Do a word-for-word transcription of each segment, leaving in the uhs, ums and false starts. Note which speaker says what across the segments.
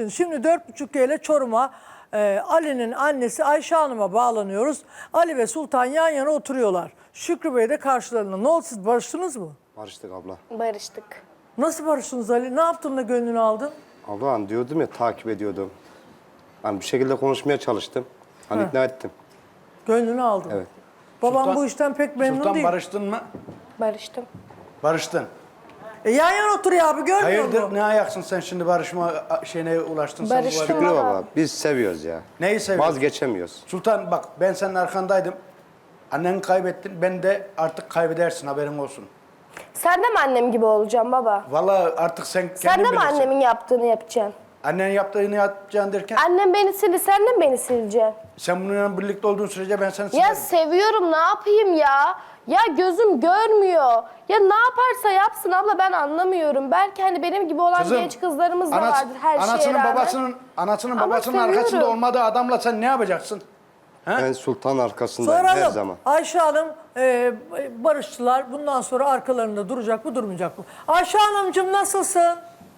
Speaker 1: için şimdi dört buçuk ile Çorum'a e, Ali'nin annesi Ayşe Hanım'a bağlanıyoruz. Ali ve Sultan yan yana oturuyorlar. Şükrü Bey de karşılarında. Ne oldu, siz barıştınız mı?
Speaker 2: Barıştık abla.
Speaker 3: Barıştık.
Speaker 1: Nasıl barıştınız Ali? Ne yaptın da gönlünü aldın?
Speaker 2: Abla hani diyordum ya, takip ediyordum. Hani bir şekilde konuşmaya çalıştım. Hani ikna ettim.
Speaker 1: Gönlünü aldın.
Speaker 2: Evet.
Speaker 1: Babam
Speaker 4: Sultan-
Speaker 1: bu işten pek memnun
Speaker 4: Sultan
Speaker 1: değil.
Speaker 4: barıştın mı?
Speaker 3: Barıştım.
Speaker 4: Barıştın.
Speaker 1: E, yan yana oturuyor abi, görmüyor
Speaker 4: Hayırdır,
Speaker 1: musun?
Speaker 4: ne ayaksın sen şimdi barışma şeyine ulaştın? Sen bu
Speaker 3: Barıştım.
Speaker 4: arada-
Speaker 2: Şükrü baba, biz seviyoruz ya.
Speaker 4: Neyi seviyorsun?
Speaker 2: Vazgeçemiyoruz.
Speaker 4: Sultan bak, ben senin arkandaydım. Anneni kaybettin, ben de artık kaybedersin, haberin olsun.
Speaker 3: Sen de mi annem gibi olacaksın baba?
Speaker 4: Vallahi artık sen kendin
Speaker 3: Sen de mi
Speaker 4: bilirsin.
Speaker 3: annemin yaptığını yapacaksın?
Speaker 4: Annenin yaptığını yapacaksın derken,
Speaker 3: Annem beni sildi, sen de mi beni sileceksin?
Speaker 4: sen bununla birlikte olduğun sürece ben seni
Speaker 3: Ya
Speaker 4: silerim.
Speaker 3: seviyorum, ne yapayım ya? Ya gözüm görmüyor. Ya ne yaparsa yapsın abla, ben anlamıyorum. Belki hani benim gibi olan
Speaker 4: Kızım,
Speaker 3: genç kızlarımız da
Speaker 4: anas-
Speaker 3: vardır her şeye
Speaker 4: anasının,
Speaker 3: rağmen.
Speaker 4: babasının, anasının
Speaker 3: Ama
Speaker 4: babasının
Speaker 3: seviyorum.
Speaker 4: arkasında olmadığı adamla sen ne yapacaksın?
Speaker 2: Ben Sultan arkasındayım her
Speaker 1: Soralım.
Speaker 2: zaman.
Speaker 1: Ayşe Hanım e, barıştılar. Bundan sonra arkalarında duracak mı, durmayacak mı? Ayşe Hanımcığım nasılsın?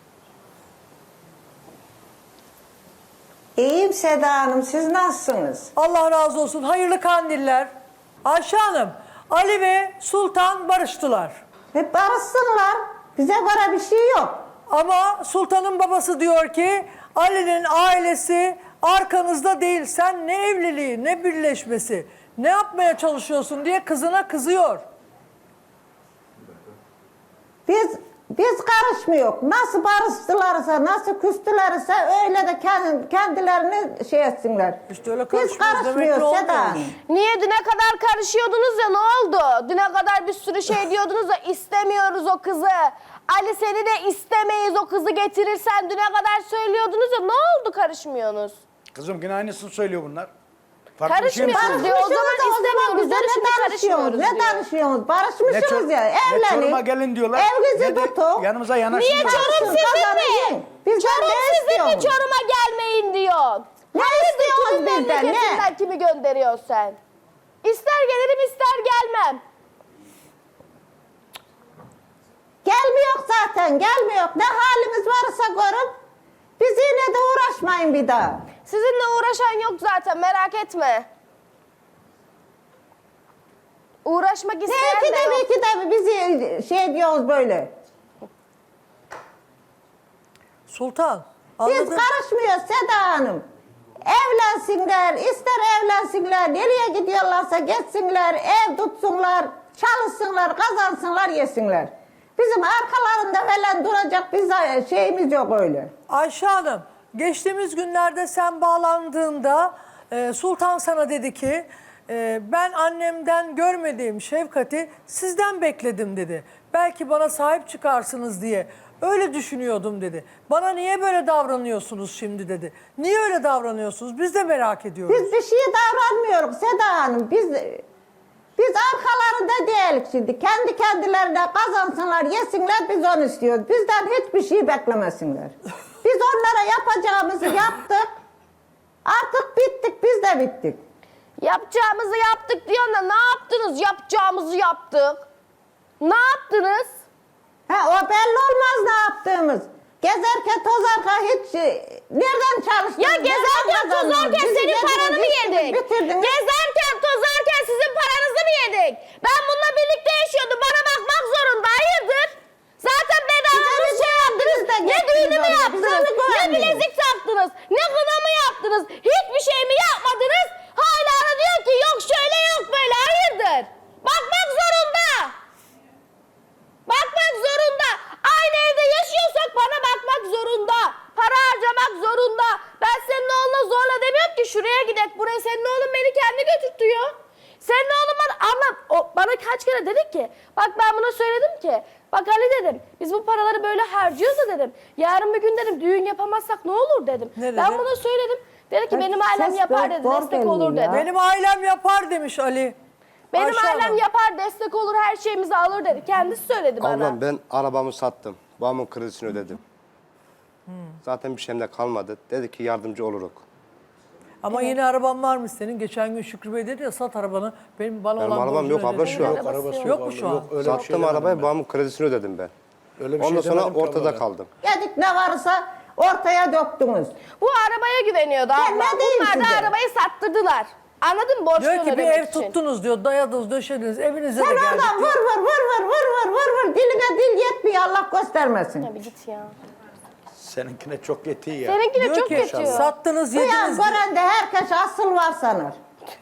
Speaker 5: İyiyim Seda Hanım, siz nasılsınız?
Speaker 1: Allah razı olsun. Hayırlı kandiller. Ayşe Hanım, Ali ve Sultan barıştılar.
Speaker 5: Ve barışsınlar, bize göre bir şey yok.
Speaker 1: Ama Sultan'ın babası diyor ki Ali'nin ailesi arkanızda değil. Sen ne evliliği, ne birleşmesi, ne yapmaya çalışıyorsun diye kızına kızıyor.
Speaker 5: Biz biz karışmıyoruz. Nasıl barıştılarsa, nasıl küstülerse öyle de kendi, kendilerini şey etsinler.
Speaker 1: İşte öyle
Speaker 5: biz
Speaker 1: karışmıyoruz demek ki
Speaker 5: karışmıyoruz
Speaker 1: olmuyor.
Speaker 5: Seda Hanım.
Speaker 3: Niye düne kadar karışıyordunuz ya, ne oldu? Düne kadar bir sürü şey diyordunuz ya, istemiyoruz o kızı. Ali seni de istemeyiz, o kızı getirirsen düne kadar söylüyordunuz ya, ne oldu karışmıyorsunuz?
Speaker 4: Kızım yine aynısını söylüyor bunlar. Farklı bir şey mi
Speaker 3: Karışmıyoruz
Speaker 4: söylüyor?
Speaker 3: diyor, o zaman
Speaker 5: Barışmışsınız da
Speaker 3: istemiyoruz.
Speaker 5: bize
Speaker 3: Yani
Speaker 5: ne
Speaker 3: şimdi
Speaker 5: danışıyorsunuz,
Speaker 3: karışmıyoruz
Speaker 5: ne
Speaker 3: diyor.
Speaker 5: danışıyorsunuz?
Speaker 4: Ne
Speaker 5: Barışmışsınız
Speaker 4: çor-
Speaker 5: ya,
Speaker 4: ne
Speaker 5: evlenin.
Speaker 4: Çorum'a gelin diyorlar,
Speaker 5: Evinizi
Speaker 4: ne de
Speaker 5: tutun.
Speaker 4: yanımıza yanaşın
Speaker 3: Niye
Speaker 4: diyorlar.
Speaker 3: Çorum
Speaker 5: Barışın,
Speaker 3: sizin
Speaker 5: kazanın.
Speaker 3: mi?
Speaker 5: Bizden
Speaker 3: Çorum
Speaker 5: ne
Speaker 3: sizin mi,
Speaker 5: istiyorsunuz?
Speaker 3: Çorum'a gelmeyin diyor.
Speaker 5: Ne
Speaker 3: Hayırdır,
Speaker 5: istiyorsunuz
Speaker 3: kimin
Speaker 5: bizden, ne?
Speaker 3: memleketinden kimi gönderiyorsun sen? İster gelirim ister gelmem.
Speaker 5: Gelmiyor zaten, gelmiyor. Ne halimiz varsa görün. Biz yine de uğraşmayın bir daha.
Speaker 3: Sizinle uğraşan yok zaten, merak etme. Uğraşmak
Speaker 5: Ne
Speaker 3: isteyen
Speaker 5: iki
Speaker 3: de
Speaker 5: de
Speaker 3: yok.
Speaker 5: bir iki de bizi şey diyoruz böyle.
Speaker 1: Sultan,
Speaker 5: Biz
Speaker 1: anladın?
Speaker 5: karışmıyoruz Seda Hanım. Evlensinler, ister evlensinler, nereye gidiyorlarsa gitsinler, ev tutsunlar, çalışsınlar, kazansınlar, yesinler. Bizim arkalarında falan duracak bir şeyimiz yok öyle.
Speaker 1: Ayşe Hanım, geçtiğimiz günlerde sen bağlandığında e, Sultan sana dedi ki e, ben annemden görmediğim şefkati sizden bekledim dedi. Belki bana sahip çıkarsınız diye öyle düşünüyordum dedi. Bana niye böyle davranıyorsunuz şimdi dedi. Niye öyle davranıyorsunuz? Biz de merak ediyoruz.
Speaker 5: Biz bir şeye davranmıyoruz Seda Hanım. Biz biz arkalarında değiliz şimdi. Kendi kendilerine kazansınlar, yesinler, biz onu istiyoruz. Bizden hiçbir şey beklemesinler. Biz onlara yapacağımızı yaptık. Artık bittik, biz de bittik.
Speaker 3: Yapacağımızı yaptık diyorsun da ne yaptınız? Yapacağımızı yaptık. Ne yaptınız?
Speaker 5: Ha, o belli olmaz ne yaptığımız. Gezerken tozarken hiç e, nereden çalıştınız?
Speaker 3: Ya
Speaker 5: nereden
Speaker 3: gezerken
Speaker 5: kazandınız?
Speaker 3: tozarken
Speaker 5: Bizi
Speaker 3: senin
Speaker 5: yediniz,
Speaker 3: paranı mı
Speaker 5: içtiniz,
Speaker 3: yedik?
Speaker 5: bitirdiniz.
Speaker 3: Gezerken tozarken sizin paranızı mı yedik? Ben bununla birlikte yaşıyordum. Bana bakmak zorunda. Hayırdır? Zaten bedava
Speaker 5: Bize
Speaker 3: bir şey
Speaker 5: mi
Speaker 3: yaptınız.
Speaker 5: güvendiniz de
Speaker 3: Ne
Speaker 5: gittiniz
Speaker 3: düğünü mü
Speaker 5: oraya? Bize
Speaker 3: yaptınız?
Speaker 5: mi
Speaker 3: Ne
Speaker 5: güvendiniz?
Speaker 3: bilezik taktınız? Ne kına mı yaptınız? Hiçbir şey mi yapmadınız? Hala da diyor ki yok şöyle yok böyle. Hayırdır? Bakmak zorunda. Bakmak zorunda. Aynı evde yaşıyorsak bana bakmak zorunda. Para harcamak zorunda. Ben senin oğluna zorla demiyorum ki şuraya gidek buraya. Senin oğlun beni kendi götürtüyor. Senin oğlun bana anlat. O bana kaç kere dedik ki. Bak ben buna söyledim ki. Bak Ali dedim. Biz bu paraları böyle harcıyoruz da dedim. Yarın bir gün dedim düğün yapamazsak ne olur dedim.
Speaker 1: Ne
Speaker 3: ben
Speaker 1: dedi?
Speaker 3: buna söyledim. Dedi ki
Speaker 5: Bak,
Speaker 3: benim ailem
Speaker 5: ses
Speaker 3: yapar
Speaker 5: böyle
Speaker 3: dedi.
Speaker 5: zor
Speaker 3: Destek olur
Speaker 5: geliyor
Speaker 3: dedi.
Speaker 5: ya.
Speaker 1: Benim ailem yapar demiş Ali.
Speaker 3: Benim
Speaker 1: Ayşe
Speaker 3: ailem
Speaker 1: Hanım.
Speaker 3: yapar, destek olur, her şeyimizi alır dedi. Kendisi söyledi bana.
Speaker 2: Ablam ben arabamı sattım. Babamın kredisini ödedim. Zaten bir şeyim de kalmadı. Dedi ki yardımcı oluruk.
Speaker 1: Ama yine araban var mı senin? Geçen gün Şükrü Bey dedi ya sat arabanı. Benim bana
Speaker 2: Benim
Speaker 1: olan
Speaker 2: arabam
Speaker 1: borcunu
Speaker 2: yok abla
Speaker 1: ödedi.
Speaker 2: şu an.
Speaker 3: Arabası
Speaker 4: Arabası
Speaker 3: yok.
Speaker 1: Yok mu şu an?
Speaker 4: Yok, öyle bir şey
Speaker 2: Sattım
Speaker 4: demedim
Speaker 2: arabayı,
Speaker 4: ben.
Speaker 2: babamın kredisini ödedim ben.
Speaker 4: Öyle bir
Speaker 2: Ondan
Speaker 4: şey
Speaker 2: sonra
Speaker 4: demedim ki
Speaker 2: ortada
Speaker 4: abla.
Speaker 2: kaldım.
Speaker 5: Yedik ne varsa ortaya döktünüz.
Speaker 3: Bu arabaya güveniyordu
Speaker 5: Ben
Speaker 3: abla.
Speaker 5: ne diyeyim
Speaker 3: Bunlar da
Speaker 5: size?
Speaker 3: arabayı sattırdılar. Anladın mı? Borçlarını
Speaker 1: Diyor ki bir
Speaker 3: ödemek
Speaker 1: ev
Speaker 3: için.
Speaker 1: tuttunuz diyor. Dayadınız, döşediniz. Evinize
Speaker 5: Sen
Speaker 1: de geldik
Speaker 5: oradan
Speaker 1: diyor.
Speaker 5: vur vur vur vur vur vur vur vur. Diline dil yetmiyor, Allah göstermesin.
Speaker 3: Ya bir git ya.
Speaker 4: Seninkine çok yetiyor ya.
Speaker 3: Seninki de
Speaker 1: Diyor
Speaker 3: çok
Speaker 1: ki
Speaker 3: yetiyor.
Speaker 1: sattınız,
Speaker 5: Duyan
Speaker 1: yediniz diyor.
Speaker 5: gören de herkes asıl var sanır.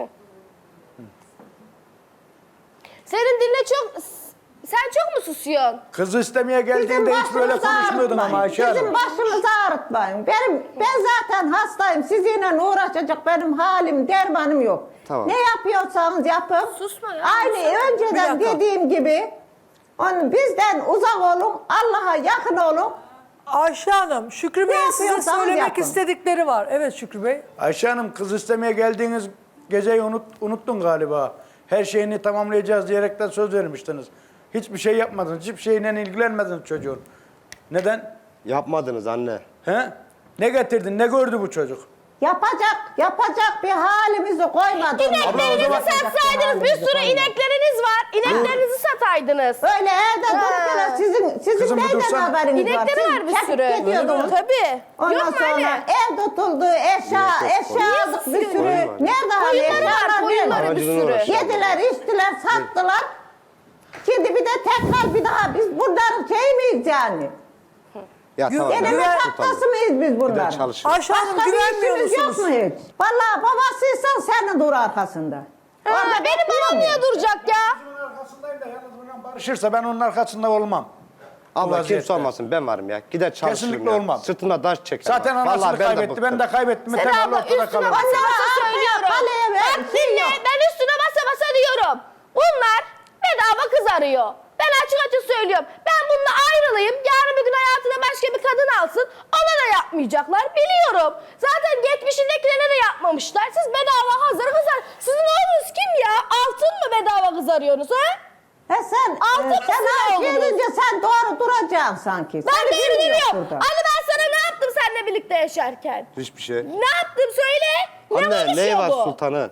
Speaker 3: Senin dinle çok... Sen çok mu susuyorsun?
Speaker 4: Kızı istemeye
Speaker 5: Bizim
Speaker 4: geldiğinde hiç böyle
Speaker 5: başımızı
Speaker 4: konuşmuyordun ama
Speaker 5: ağrıtmayın.
Speaker 4: Ayşe
Speaker 5: Bizim
Speaker 4: Hanım.
Speaker 5: başımızı ağrıtmayın. Benim, ben zaten hastayım. Sizinle uğraşacak benim halim, dermanım yok.
Speaker 2: Tamam.
Speaker 5: Ne yapıyorsanız yapın.
Speaker 3: Susma ya,
Speaker 5: Aynı
Speaker 3: susma.
Speaker 5: önceden
Speaker 1: Bir dakika.
Speaker 5: dediğim gibi onu bizden uzak olun, Allah'a yakın olun.
Speaker 1: Ayşe Hanım, Şükrü Bey'in size
Speaker 5: yapıyorsanız
Speaker 1: söylemek
Speaker 5: yapın.
Speaker 1: istedikleri var. Evet Şükrü Bey.
Speaker 4: Ayşe Hanım kız istemeye geldiğiniz geceyi unut, unuttun galiba. Her şeyini tamamlayacağız diyerekten söz vermiştiniz. Hiçbir şey yapmadınız. Hiçbir şeyle ilgilenmediniz çocuğun. Neden?
Speaker 2: Yapmadınız anne.
Speaker 4: He? Ne getirdin? Ne gördü bu çocuk?
Speaker 5: Yapacak, yapacak bir halimizi koymadınız.
Speaker 3: İneklerinizi
Speaker 4: zaman-
Speaker 3: satsaydınız, bir sürü inekleriniz var. İneklerinizi sataydınız.
Speaker 5: Öyle evde
Speaker 3: Ha.
Speaker 5: durup böyle sizin, sizin
Speaker 4: Kızım bir
Speaker 5: neyden
Speaker 4: dursana.
Speaker 5: haberiniz var?
Speaker 3: İnekleri
Speaker 5: Siz
Speaker 3: var bir
Speaker 5: çekip
Speaker 3: sürü.
Speaker 5: gidiyordunuz.
Speaker 3: Tabii.
Speaker 5: Ondan
Speaker 3: Yok mu
Speaker 5: sonra
Speaker 3: öyle?
Speaker 5: ev tutuldu, eşya, eşya aldık bir sürü.
Speaker 2: Koyun var.
Speaker 5: Nerede hani
Speaker 3: Koyunları var,
Speaker 5: eşyalar
Speaker 3: koyunları
Speaker 5: nerede?
Speaker 3: bir
Speaker 2: Aracını
Speaker 3: sürü.
Speaker 2: uğraşıyor.
Speaker 5: Yediler, içtiler, sattılar. Şimdi bir de tekrar bir daha biz bunların şey miyiz yani?
Speaker 2: Ya
Speaker 1: Gü-
Speaker 2: tamam.
Speaker 1: Gene
Speaker 5: Deneme
Speaker 1: Güven-
Speaker 5: tahtası mıyız biz
Speaker 2: Bir de
Speaker 5: bunların?
Speaker 2: çalışın.
Speaker 1: Ayşe Hanım
Speaker 5: Başka bir
Speaker 1: güvenmiyor
Speaker 5: işimiz yok
Speaker 1: musunuz?
Speaker 5: mu hiç? Vallahi babasıysan sen dur arkasında.
Speaker 3: Ha, benim
Speaker 5: bekliyor
Speaker 3: babam
Speaker 5: mu?
Speaker 3: niye duracak ya?
Speaker 4: Onun arkasındayım da yalnız bundan barışırsa ben onun arkasında olmam. Bu
Speaker 2: Abla
Speaker 4: vaziyette.
Speaker 2: kimse olmasın, ben varım ya. Gider çalışırım
Speaker 4: Kesinlikle
Speaker 2: ya.
Speaker 4: olmam.
Speaker 2: Sırtımda taş çekerim.
Speaker 4: Zaten
Speaker 2: bak.
Speaker 4: anasını
Speaker 2: Vallahi ben de
Speaker 4: kaybetti. Ben
Speaker 2: bıktım.
Speaker 4: de kaybettim.
Speaker 3: Sen
Speaker 4: Temelli
Speaker 3: abla
Speaker 4: ortada
Speaker 3: üstüne
Speaker 4: kalırım.
Speaker 3: basa basa
Speaker 5: Arkaya,
Speaker 3: söylüyorum.
Speaker 5: kaleye ver,
Speaker 3: Bak
Speaker 5: şey
Speaker 3: dinle,
Speaker 5: yok.
Speaker 3: ben üstüne basa basa diyorum. Bunlar bedava kız arıyor. Ben açık açık söylüyorum. Ben bununla ayrılayım. Yarın bir gün hayatına başka bir kadın alsın. Ona da yapmayacaklar. Biliyorum. Zaten geçmişindekilerine de yapmamışlar. Siz bedava hazır kız ar- Sizin oğlunuz kim ya? Altın mı bedava kız arıyorsunuz ha?
Speaker 5: He sen,
Speaker 3: Altın
Speaker 5: e, sen
Speaker 3: mısın
Speaker 5: her
Speaker 3: oğlunuz?
Speaker 5: gelince sen doğru duracaksın sanki.
Speaker 3: Ben
Speaker 5: Seni
Speaker 3: de
Speaker 5: bilmiyor
Speaker 3: bilmiyorum.
Speaker 5: burada.
Speaker 3: Ali ben sana ne yaptım seninle birlikte yaşarken?
Speaker 2: Hiçbir şey.
Speaker 3: Ne yaptım söyle. Ne
Speaker 2: Anne neyi
Speaker 3: konuşuyor
Speaker 2: var
Speaker 3: bu?
Speaker 2: sultanın?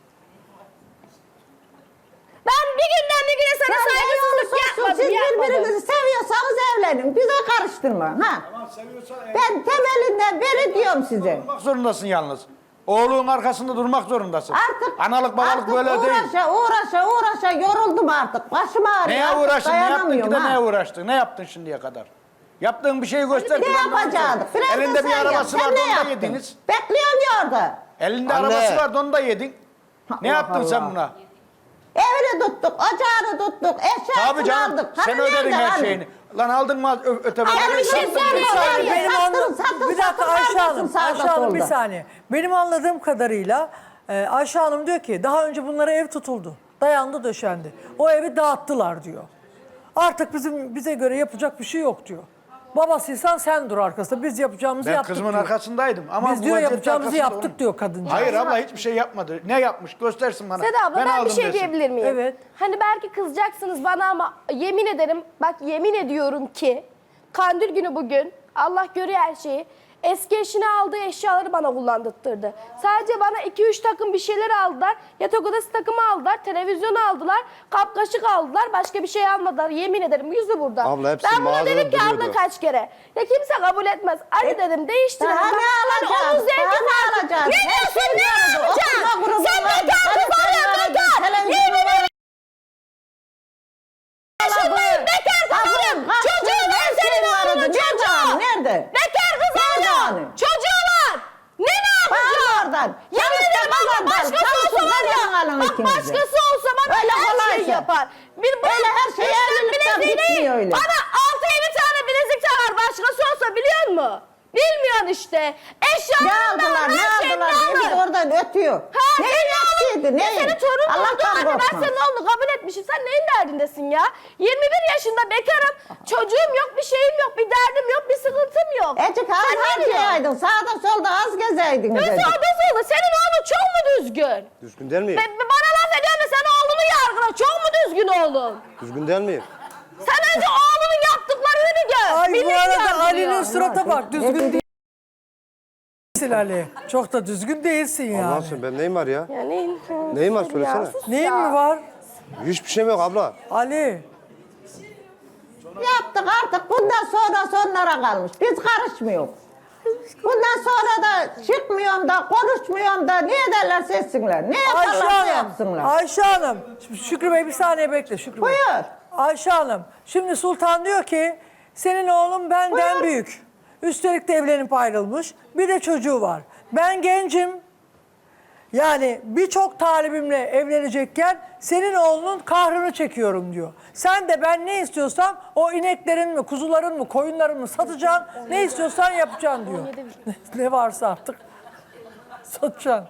Speaker 3: Ben bir günden bir güne sana
Speaker 5: Sen
Speaker 3: saygısızlık
Speaker 5: Siz
Speaker 3: yapmadım, yapmadım.
Speaker 5: birbirinizi seviyorsanız evlenin. Bize karıştırma. Ha? Ben temelinden beri diyorum size.
Speaker 4: Durmak zorundasın yalnız. Oğlunun arkasında durmak zorundasın.
Speaker 5: Artık
Speaker 4: Analık babalık
Speaker 5: artık
Speaker 4: böyle
Speaker 5: uğraşa,
Speaker 4: değil.
Speaker 5: Uğraşa uğraşa yoruldum artık. Başım ağrıyor.
Speaker 4: Neye
Speaker 5: artık
Speaker 4: uğraştın? Ne yaptın ki
Speaker 5: dayanamıyorum,
Speaker 4: de
Speaker 5: ha.
Speaker 4: neye uğraştın? Ne yaptın şimdiye kadar? Yaptığın bir şeyi göster.
Speaker 5: Ne
Speaker 4: ki ben de
Speaker 5: yapacaktık?
Speaker 4: göstereyim.
Speaker 5: Biraz da
Speaker 4: Elinde bir
Speaker 5: sen yap.
Speaker 4: arabası
Speaker 5: Sen
Speaker 4: vardı
Speaker 5: ne
Speaker 4: onu da
Speaker 5: yaptın?
Speaker 4: yediniz.
Speaker 5: Bekliyorum ya orada.
Speaker 4: Elinde
Speaker 2: Anne.
Speaker 4: arabası vardı onu da yedin. Ne
Speaker 5: Allah
Speaker 4: yaptın sen
Speaker 5: Allah.
Speaker 4: buna?
Speaker 5: Evini tuttuk, ocağını tuttuk, eşyasını
Speaker 4: Tabii canım.
Speaker 5: aldık.
Speaker 4: Sen
Speaker 5: Hani
Speaker 4: ödedin
Speaker 5: nerede
Speaker 4: her
Speaker 5: hani?
Speaker 4: şeyini. Lan aldın mı ö- öte
Speaker 3: Ama
Speaker 4: bedeli?
Speaker 3: bir şey
Speaker 4: Sattın,
Speaker 3: söyleyeyim.
Speaker 4: bir saniye.
Speaker 5: Benim
Speaker 1: Benim
Speaker 5: sattın,
Speaker 1: anla-
Speaker 5: sattın,
Speaker 1: bir dakika
Speaker 5: sattın,
Speaker 1: Ayşe
Speaker 5: sattın,
Speaker 1: Hanım,
Speaker 5: sağda,
Speaker 1: Ayşe Hanım bir
Speaker 5: solda.
Speaker 1: saniye. Benim anladığım kadarıyla e, Ayşe Hanım diyor ki daha önce bunlara ev tutuldu. Dayandı döşendi. O evi dağıttılar diyor. Artık bizim bize göre yapacak bir şey yok diyor. Babasıysan sen dur arkasında. Biz yapacağımızı
Speaker 4: Ben
Speaker 1: yaptık
Speaker 4: kızımın
Speaker 1: diyor.
Speaker 4: arkasındayım. Ama
Speaker 1: Biz
Speaker 4: bu
Speaker 1: diyor
Speaker 4: vaziyette
Speaker 1: yapacağımızı
Speaker 4: arkasında
Speaker 1: yaptık
Speaker 4: onun.
Speaker 1: diyor kadıncağız.
Speaker 4: Hayır abla hiçbir şey yapmadı. Ne yapmış göstersin bana.
Speaker 3: Seda abla ben, bir
Speaker 4: aldım
Speaker 3: şey
Speaker 4: desin.
Speaker 3: diyebilir miyim?
Speaker 1: Evet.
Speaker 3: Hani belki kızacaksınız bana ama yemin ederim bak yemin ediyorum ki Kandil günü bugün Allah görüyor her şeyi. Eski eşine aldığı eşyaları bana kullandırttırdı. Sadece bana iki üç takım bir şeyler aldılar. Yatak odası takımı aldılar. Televizyon aldılar. Kap kaşık aldılar. Başka bir şey almadılar. Yemin ederim yüzü burada.
Speaker 2: Abla hepsi
Speaker 3: ben buna
Speaker 2: mağazada
Speaker 3: dedim ki abla
Speaker 2: duruyordu.
Speaker 3: kaç kere. Ya kimse kabul etmez. Ali dedim değiştirelim.
Speaker 5: Daha
Speaker 3: Bak,
Speaker 5: ne
Speaker 3: hani
Speaker 5: alacağız?
Speaker 3: onun zevki
Speaker 5: Daha ne
Speaker 3: farklı.
Speaker 5: alacağız?
Speaker 3: Ne
Speaker 5: Her
Speaker 3: diyorsun
Speaker 5: şey
Speaker 3: ne
Speaker 5: vardı.
Speaker 3: alacaksın?
Speaker 5: Oturma grubu
Speaker 3: Sen
Speaker 5: vardı,
Speaker 3: bekar kız
Speaker 5: televizyon
Speaker 3: arıyorsun
Speaker 5: vardı,
Speaker 3: bekar.
Speaker 5: televizyon
Speaker 3: Yemin
Speaker 5: vardı.
Speaker 3: yaşındayım bekar kız
Speaker 5: Ablam,
Speaker 3: arıyorum.
Speaker 5: kaç
Speaker 3: Çocuğu
Speaker 5: tane
Speaker 3: var
Speaker 5: her şey
Speaker 3: senin
Speaker 5: vardı.
Speaker 3: oğlunun
Speaker 5: Nerede
Speaker 3: çocuğu.
Speaker 5: hani, nerede?
Speaker 3: Bekar kız
Speaker 5: Nerede
Speaker 3: arıyor.
Speaker 5: hani?
Speaker 3: Çocuğu var. Ne ne
Speaker 5: Bağır
Speaker 3: yapacağım?
Speaker 5: oradan.
Speaker 3: Yemin
Speaker 5: Çalışın
Speaker 3: ederim bak
Speaker 5: oradan.
Speaker 3: başkası olsa
Speaker 5: Çalışın,
Speaker 3: var ya.
Speaker 5: oradan alın
Speaker 3: Bak
Speaker 5: ikinizi.
Speaker 3: başkası olsa bana
Speaker 5: Öyle
Speaker 3: her şeyi
Speaker 5: kolaysa.
Speaker 3: yapar. Bir
Speaker 5: Öyle her şey
Speaker 3: beş tane
Speaker 5: evlilikten
Speaker 3: bileziği değil,
Speaker 5: bitmiyor öyle.
Speaker 3: Bana altı yedi tane bilezik takar başkası olsa biliyor musun? Bilmiyorsun işte.
Speaker 5: Ne
Speaker 3: Eşyalarından
Speaker 5: aldılar, ne
Speaker 3: her şeyini
Speaker 5: aldılar diye bir de
Speaker 3: alır.
Speaker 5: oradan ötüyor.
Speaker 3: Ha,
Speaker 5: Neyin
Speaker 3: senin
Speaker 5: eksiydi,
Speaker 3: oğlun-
Speaker 5: neyin?
Speaker 3: Senin torun oldu
Speaker 5: Allah'tan
Speaker 3: anne ben
Speaker 5: korkma.
Speaker 3: senin oğlunu kabul etmişim. Sen neyin derdindesin ya? yirmi bir yaşında bekarım. Çocuğum yok, bir şeyim yok, bir derdim yok, bir sıkıntım yok.
Speaker 5: Ecik az
Speaker 3: Sen ne diyorsun?
Speaker 5: harcayaydın, sağda solda az gezeydiniz.
Speaker 3: Nasıl
Speaker 5: Ecik.
Speaker 3: oldu oldu? Senin oğlun çok mu düzgün?
Speaker 2: Düzgün değil miyim?
Speaker 3: Be, be- bana laf ediyorsun da sen oğlunu yargıla. Çok mu düzgün oğlun?
Speaker 2: Düzgün değil miyim?
Speaker 3: Sen önce oğlunun yaptıklarını gör.
Speaker 1: Ay bu
Speaker 3: Milleti
Speaker 1: arada
Speaker 3: yargılıyor.
Speaker 1: Ali'nin surata bak.
Speaker 5: Ne
Speaker 1: Düzgün
Speaker 5: dedi?
Speaker 1: değilsin Ali. Çok da düzgün değilsin
Speaker 2: Allah'ın
Speaker 1: yani.
Speaker 2: sen ben neyim var ya?
Speaker 3: Ya neyin?
Speaker 2: Neyim var
Speaker 3: Ya
Speaker 2: söylesene.
Speaker 3: sus
Speaker 1: Neyin
Speaker 3: ya.
Speaker 1: mi var?
Speaker 2: Hiçbir şeyim yok abla.
Speaker 1: Ali.
Speaker 5: Yaptık artık bundan sonra sonlara kalmış. Biz karışmıyoruz. Bundan sonra da çıkmıyorum da konuşmuyorum da ne ederlerse etsinler. Ne
Speaker 1: Ayşe
Speaker 5: yaparlarsa
Speaker 1: Hanım,
Speaker 5: yapsınlar.
Speaker 1: Ayşe Hanım. Şimdi Şükrü Bey bir saniye bekle Şükrü Bey.
Speaker 5: Buyur.
Speaker 1: Ayşe Hanım, şimdi Sultan diyor ki senin oğlun benden
Speaker 5: Buyur.
Speaker 1: büyük. Üstelik de evlenip ayrılmış. Bir de çocuğu var. Ben gencim. Yani birçok talibimle evlenecekken senin oğlunun kahrını çekiyorum diyor. Sen de ben ne istiyorsam o ineklerin mi, kuzuların mı, koyunların mı satacaksın. Ne istiyorsan yapacaksın diyor. Ne varsa artık satacaksın.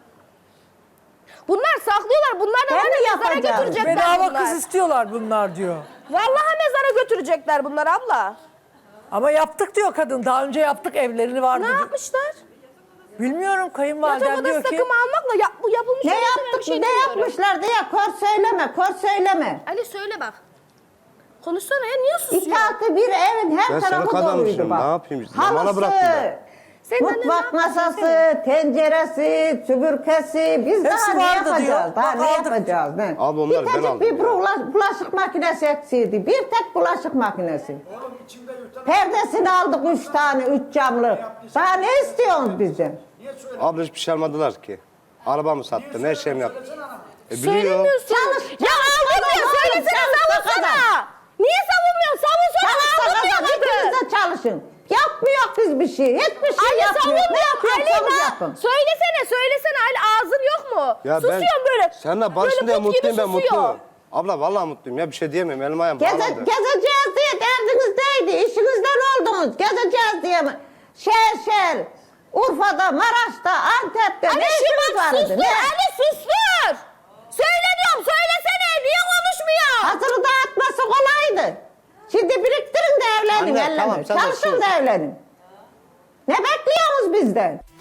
Speaker 3: Bunlar saklıyorlar. Bunlar da
Speaker 5: Ben
Speaker 3: var
Speaker 5: mi
Speaker 3: ya mezara
Speaker 5: yapacağım?
Speaker 3: götürecekler
Speaker 1: Bedava
Speaker 3: bunlar.
Speaker 1: kız istiyorlar bunlar diyor.
Speaker 3: Vallahi mezara götürecekler bunlar abla.
Speaker 1: Ama yaptık diyor kadın. Daha önce yaptık evlerini vardı.
Speaker 3: Ne
Speaker 1: diyor.
Speaker 3: yapmışlar?
Speaker 1: Bilmiyorum
Speaker 3: Yatak
Speaker 1: kayınvaliden
Speaker 3: odası
Speaker 1: diyor ki.
Speaker 3: takımı almakla yap, bu yapılmış.
Speaker 5: Ne
Speaker 3: olmasına ben bir
Speaker 5: yaptık,
Speaker 3: şey
Speaker 5: ne
Speaker 3: demiyorum.
Speaker 5: yapmışlar diye kor söyleme, kor söyleme.
Speaker 3: Ali söyle bak. Konuşsana ya niye
Speaker 5: İki
Speaker 3: susuyor?
Speaker 5: artı bir evin her
Speaker 2: Ben
Speaker 5: tarafı
Speaker 2: sana
Speaker 5: doluydu
Speaker 2: adammışım,
Speaker 5: bak.
Speaker 2: ne yapayım? Zamana
Speaker 5: Halısı,
Speaker 2: bıraktılar.
Speaker 3: Senin annen
Speaker 5: mutfak
Speaker 3: ne yapmış?
Speaker 5: masası, tenceresi, süpürgesi. Biz
Speaker 1: Hepsi
Speaker 5: daha ne
Speaker 1: vardı
Speaker 5: yapacağız?
Speaker 1: diyor.
Speaker 5: Daha
Speaker 1: Bak,
Speaker 5: ne
Speaker 1: aldık.
Speaker 5: yapacağız? Ne?
Speaker 2: Abi onlar
Speaker 5: bir
Speaker 2: ben
Speaker 5: tek
Speaker 2: aldım
Speaker 5: bir
Speaker 2: ya.
Speaker 5: bula- bulaşık makinesi eksiydi. Bir tek bulaşık makinesi. Perdesini aldık üç tane, üç camlı. Daha ne istiyorsunuz bizden?
Speaker 2: Abla hiçbir şey almadılar ki. Arabamı sattım, her şeyimi yaptım. E biliyor.
Speaker 3: Söylemiyorsun.
Speaker 5: Çalış,
Speaker 3: Ya
Speaker 5: çalış,
Speaker 3: aldın
Speaker 5: çalış,
Speaker 3: ya
Speaker 5: oğlum,
Speaker 3: söylesene
Speaker 5: çalış
Speaker 3: savunsana.
Speaker 5: bakalım.
Speaker 3: Niye savunmuyorsun? Savunsana
Speaker 5: Çalışsa
Speaker 3: aldın
Speaker 5: kazan, ikiniz
Speaker 3: diyamadın.
Speaker 5: de çalışın. Yapmıyor biz bir şey. Hiçbir şey
Speaker 3: Ali
Speaker 5: yapmıyor. Ne
Speaker 3: savunmuyor.
Speaker 5: yapıyorsanız
Speaker 3: Ali
Speaker 5: yapın.
Speaker 3: ne? Söylesene söylesene Ali ağzın yok mu?
Speaker 2: Ya ben
Speaker 3: Susuyorsun böyle.
Speaker 2: seninle barışın diye
Speaker 3: böyle put gibi
Speaker 2: mutluyum ben
Speaker 3: susuyor.
Speaker 2: mutluyum. Abla vallahi mutluyum ya bir şey diyemem elim ayağım
Speaker 5: Geze,
Speaker 2: bağlandı.
Speaker 5: gezeceğiz diye derdiniz neydi? İşinizden oldunuz. Gezeceğiz diye mi? Şehir şehir. Urfa'da, Maraş'ta, Antep'te
Speaker 3: Ali
Speaker 5: ne
Speaker 3: şu
Speaker 5: işiniz
Speaker 3: bak
Speaker 5: vardı?
Speaker 3: sustur.
Speaker 5: Ne?
Speaker 3: Ali sustur. Söyle diyorum söylesene. Niye konuşmuyor?
Speaker 5: Hazırı dağıtması kolaydı. Şimdi biriktirin de evlenin.
Speaker 2: Anne,
Speaker 5: ellenin.
Speaker 2: tamam, sen de
Speaker 5: Çalışın
Speaker 2: sus.
Speaker 5: da evlenin. Ne bekliyorsunuz bizden?